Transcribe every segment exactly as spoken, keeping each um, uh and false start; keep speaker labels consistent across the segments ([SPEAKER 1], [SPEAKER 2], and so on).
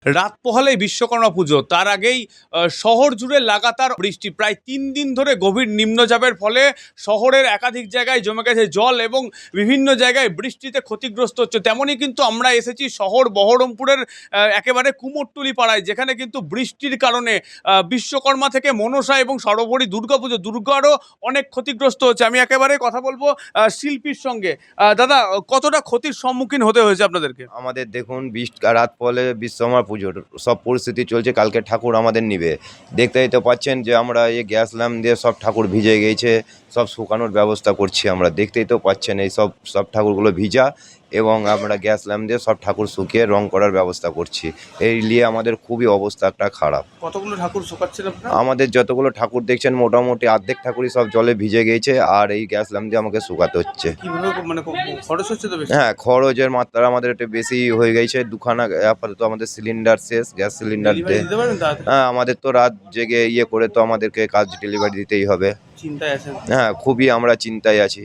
[SPEAKER 1] রাত পোহালেই বিশ্বকর্মা পুজো, তার আগেই আহ, শহর জুড়ে লাগাতার বৃষ্টি। প্রায় তিন দিন ধরে গভীর নিম্নচাপের ফলে শহরের একাধিক জায়গায় জমে গেছে জল এবং বিভিন্ন জায়গায় বৃষ্টিতে ক্ষতিগ্রস্ত হচ্ছে। তেমনই কিন্তু আমরা এসেছি শহর বহরমপুরের আহ, একেবারে কুমোরটুলি পাড়ায়, যেখানে কিন্তু বৃষ্টির কারণে আহ, বিশ্বকর্মা থেকে মনসা এবং সর্বোপরি দুর্গাপুজো দুর্গারও অনেক ক্ষতিগ্রস্ত হচ্ছে। আমি একেবারে কথা বলবো আহ, শিল্পীর সঙ্গে। আহ, দাদা, কতটা ক্ষতির সম্মুখীন হতে হয়েছে আপনাদেরকে?
[SPEAKER 2] আমাদের দেখুন বৃষ্টি রাত পহলে বিশ্বকর্মা পুজোর সব পরিস্থিতি চলছে। কালকে ঠাকুর আমাদের নিবে, দেখতেই তো পাচ্ছেন যে আমরা এই গ্যাস ল্যাম্প দিয়ে সব ঠাকুর ভিজে গেছে, সব শুকানোর ব্যবস্থা করছি আমরা। দেখতেই তো পাচ্ছেন এই সব সব ঠাকুরগুলো ভিজা, এবং আমরা গ্যাস ল্যাম্প দিয়ে সব ঠাকুর শুকিয়ে রং করার ব্যবস্থা করছি। এই নিয়ে আমাদের খুবই অবস্থাটা খারাপ।
[SPEAKER 1] কতগুলো ঠাকুর শুকাচ্ছেন আপনারা?
[SPEAKER 2] আমাদের যতগুলো ঠাকুর দেখছেন মোটামুটি অর্ধেক ঠাকুরই সব জলে ভিজে গেছে, আর এই গ্যাস ল্যাম্প দিয়ে আমাকে শুকাতে হচ্ছে।
[SPEAKER 1] কিভাবে মানে খরচ হচ্ছে তো বেশি?
[SPEAKER 2] হ্যাঁ, খরচের মাত্রা আমাদের একটু বেশি হয়ে গেছে। দুখানা আপাতত আমাদের সিলিন্ডার শেষ, গ্যাস সিলিন্ডার
[SPEAKER 1] ডেলিভারি দিতে পারবেন তাড়াতাড়ি?
[SPEAKER 2] হ্যাঁ, আমাদের তো রাত জেগে ইয়ে করে তো আমাদেরকে কাজ ডেলিভারি দিতেই হবে।
[SPEAKER 1] চিন্তায় আছেন?
[SPEAKER 2] হ্যাঁ, খুবই আমরা চিন্তায় আছি।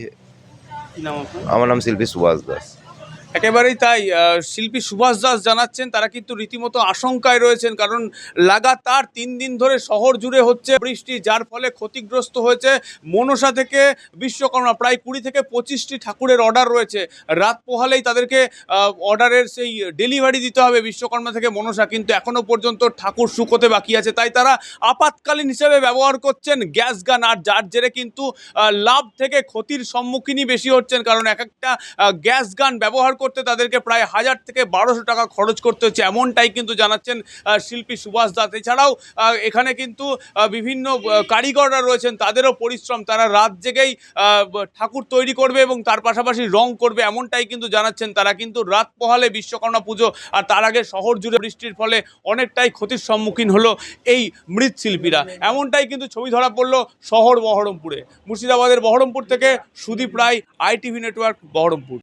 [SPEAKER 1] কি নাম আপনার?
[SPEAKER 2] আমার নাম শিল্পী সুভাষ দাস।
[SPEAKER 1] একেবারেই তাই। আহ, শিল্পী সুভাষ দাস জানাচ্ছেন তারা কিন্তু রীতিমতো আশঙ্কায় রয়েছেন, কারণ লাগাতার তিন দিন ধরে শহর জুড়ে হচ্ছে বৃষ্টি, যার ফলে ক্ষতিগ্রস্ত হয়েছে মনসা থেকে বিশ্বকর্মা। প্রায় কুড়ি থেকে পঁচিশটি ঠাকুরের অর্ডার রয়েছে। রাত পোহালেই তাদেরকে অর্ডারের সেই ডেলিভারি দিতে হবে বিশ্বকর্মা থেকে মনসা, কিন্তু এখনও পর্যন্ত ঠাকুর শুকোতে বাকি আছে। তাই তারা আপাতকালীন হিসেবে ব্যবহার করছেন গ্যাস গান, আর যার জেরে কিন্তু আহ, লাভ থেকে ক্ষতির সম্মুখীনই বেশি হচ্ছেন, কারণ এক একটা গ্যাস গান ব্যবহার করতে তাদেরকে প্রায় হাজার থেকে বারোশো টাকা খরচ করতে হচ্ছে, এমনটাই কিন্তু জানাচ্ছেন শিল্পী সুভাষ দাস। এছাড়াও এখানে কিন্তু বিভিন্ন কারিগররা রয়েছেন, তাদেরও পরিশ্রম, তারা রাত জেগেই ঠাকুর তৈরি করবে এবং তার পাশাপাশি রং করবে, এমনটাই কিন্তু জানাচ্ছেন তারা। কিন্তু রাত পোহালে বিশ্বকর্মা পুজো, আর তার আগে শহর জুড়ে বৃষ্টির ফলে অনেকটাই ক্ষতির সম্মুখীন হলো এই মৃৎশিল্পীরা, এমনটাই কিন্তু ছবি ধরা পড়লো শহর বহরমপুরে। মুর্শিদাবাদের বহরমপুর থেকে সুদীপ রায়, আইটিভি নেটওয়ার্ক, বহরমপুর।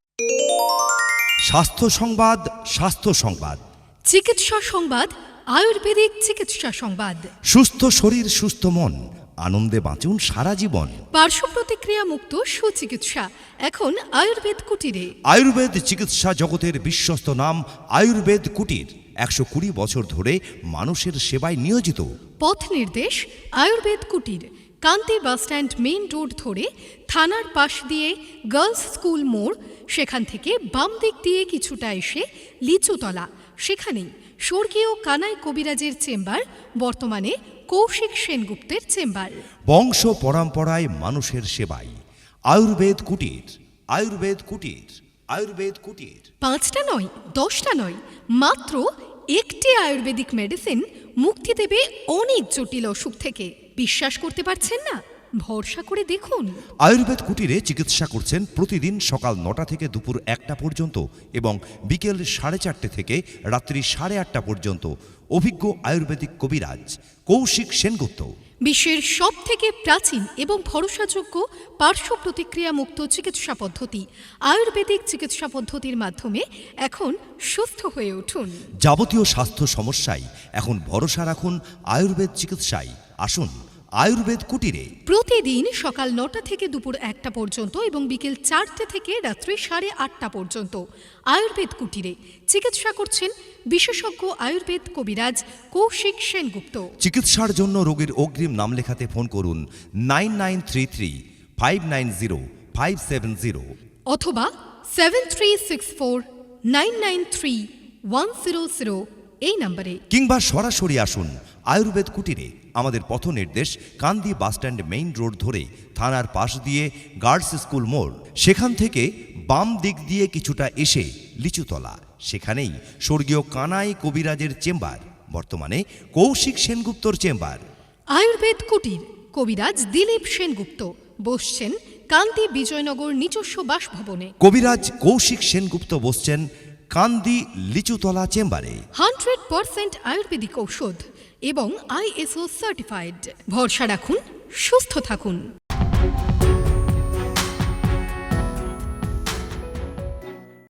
[SPEAKER 3] স্বাস্থ্য সংবাদ, স্বাস্থ্য সংবাদ,
[SPEAKER 4] চিকিৎসা সংবাদ, আয়ুর্বেদিক চিকিৎসা সংবাদ।
[SPEAKER 3] সুস্থ শরীর সুস্থ মন, আনন্দে বাঁচুন সারা জীবন।
[SPEAKER 4] পার্শ্ব প্রতিক্রিয়া মুক্ত সুচিকিৎসা এখন আয়ুর্বেদ কুটিরে।
[SPEAKER 3] আয়ুর্বেদ চিকিৎসা জগতের বিশ্বস্ত নাম আয়ুর্বেদ কুটির, একশো কুড়ি বছর ধরে মানুষের সেবায় নিয়োজিত।
[SPEAKER 4] পথ নির্দেশ আয়ুর্বেদ কুটির, কান্তি বাসস্ট্যান্ড মেইন রোড ধরে থানার পাশ দিয়ে গার্লস স্কুল মোড়, সেখান থেকে বাম দিক দিয়ে কিছুটা এসে লিচুতলা, সেখানেই স্বর্গীয় কানাই কবিরাজের চেম্বার, বর্তমানে কৌশিক সেনগুপ্তের চেম্বার।
[SPEAKER 3] বংশ পরম্পরায় মানুষের সেবায় আয়ুর্বেদ কুটির, আয়ুর্বেদ কুটির, আয়ুর্বেদ কুটির।
[SPEAKER 4] পাঁচটা নয়, দশটা নয়, মাত্র একটি আয়ুর্বেদিক মেডিসিন মুক্তি দেবে অনেক জটিল অসুখ থেকে। বিশ্বাস করতে পারছেন না? ভরসা করে দেখুন।
[SPEAKER 3] আয়ুর্বেদ কুটিরে চিকিৎসা করছেন প্রতিদিন সকাল নটা থেকে দুপুর একটা পর্যন্ত এবং বিকেল সাড়ে চারটে থেকে রাত্রি সাড়ে আটটা পর্যন্ত অভিজ্ঞ আয়ুর্বেদিক কবিরাজ কৌশিক সেনগুপ্ত।
[SPEAKER 4] বিশ্বের সব থেকে প্রাচীন এবং ভরসাযোগ্য পার্শ্ব প্রতিক্রিয়া মুক্ত চিকিৎসা পদ্ধতি আয়ুর্বেদিক চিকিৎসা পদ্ধতির মাধ্যমে এখন সুস্থ হয়ে উঠুন।
[SPEAKER 3] যাবতীয় স্বাস্থ্য সমস্যায় এখন ভরসা রাখুন আয়ুর্বেদ চিকিৎসায়। আসুন আয়ুর্বেদ কুটিরে।
[SPEAKER 4] প্রতিদিন সকাল নটা থেকে দুপুর একটা পর্যন্ত এবং বিকেল চারটে থেকে রাত্রি সাড়ে আটটা পর্যন্ত আয়ুর্বেদ কুটিরে চিকিৎসা করছেন বিশেষজ্ঞ আয়ুর্বেদ কবিরাজ কৌশিক সেনগুপ্ত।
[SPEAKER 3] চিকিৎসার জন্য রোগীর অগ্রিম নাম লেখাতে ফোন করুন nine nine three three five nine zero five seven zero
[SPEAKER 4] অথবা seven three six four nine nine three one zero zero এই নম্বরে,
[SPEAKER 3] কিংবা সরাসরি আসুন আয়ুর্বেদ কুটিরে। আমাদের পথ নির্দেশ কান্দি বাসস্ট্যান্ড মেইন রোড ধরে থানার পাশ দিয়ে গার্লস স্কুল মোড়, সেখান থেকে বাম দিক দিয়ে কিছুটা এসে লিচুতলা, সেখানেই স্বর্গীয় কানাই কবিরাজের চেম্বার, বর্তমানে কৌশিক সেনগুপ্তর চেম্বার।
[SPEAKER 4] আয়ুর্বেদ কুটির, কবিরাজ দিলীপ সেনগুপ্ত বসছেন কান্দি বিজয়নগর নিজস্ব বাসভবনে।
[SPEAKER 3] কবিরাজ কৌশিক সেনগুপ্ত বসছেন কান্দি লিচুতলা চেম্বারে।
[SPEAKER 4] হান্ড্রেড পার্সেন্ট আয়ুর্বেদিক ঔষধ এবং আইএসও সার্টিফাইড। ভরসা রাখুন, সুস্থ থাকুন।